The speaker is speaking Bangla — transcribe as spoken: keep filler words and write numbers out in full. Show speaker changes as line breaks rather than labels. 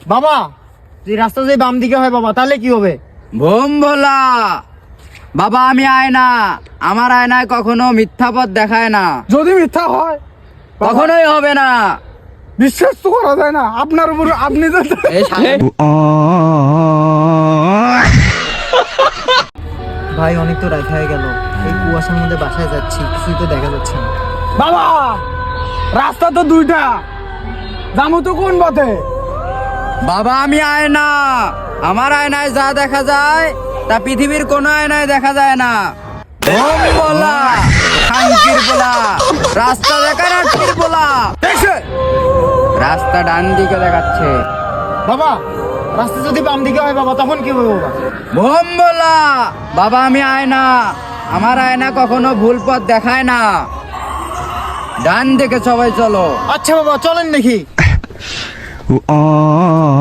বাবা যে রাস্তা যদি বাম দিকে হয় বাবা তাহলে কি হবে?
ভোম ভোলা বাবা, আমি আয়না, আমার আয়নায় কখনো মিথ্যা পথ দেখায় না।
যদি মিথ্যা হয়
কখনোই হবে না।
বিশ্বাস তো করা যায় না আপনার উপর। আপনি তো
এই শালা-
ভাই অনেক তো রাত হয়ে গেল, এই কুয়াশার মধ্যে বাসায় যাচ্ছি, কিছুই তো দেখা যাচ্ছে না।
বাবা রাস্তা তো দুইটা, যাবো তো কোন পথে?
বাবা আমি আয়না, আমার আয়নায় যা দেখা যায় তা পৃথিবীর কোনো আয়নায় দেখা যায় না। ভোম ভোলা, খাঙ্কির বলা, রাস্তা দেখা রাত্রির বলা। রাস্তা ডান দিকে দেখাচ্ছে।
বাবা রাস্তা যদি বাম দিকে হয় বাবা তখন কি হবে বাবা?
ভোম ভোলা বাবা, আমি আয়না, আমার আয়না কখনো ভুল পথ দেখায় না। ডান দিকে সবাই চলো।
আচ্ছা বাবা চলেন দেখি।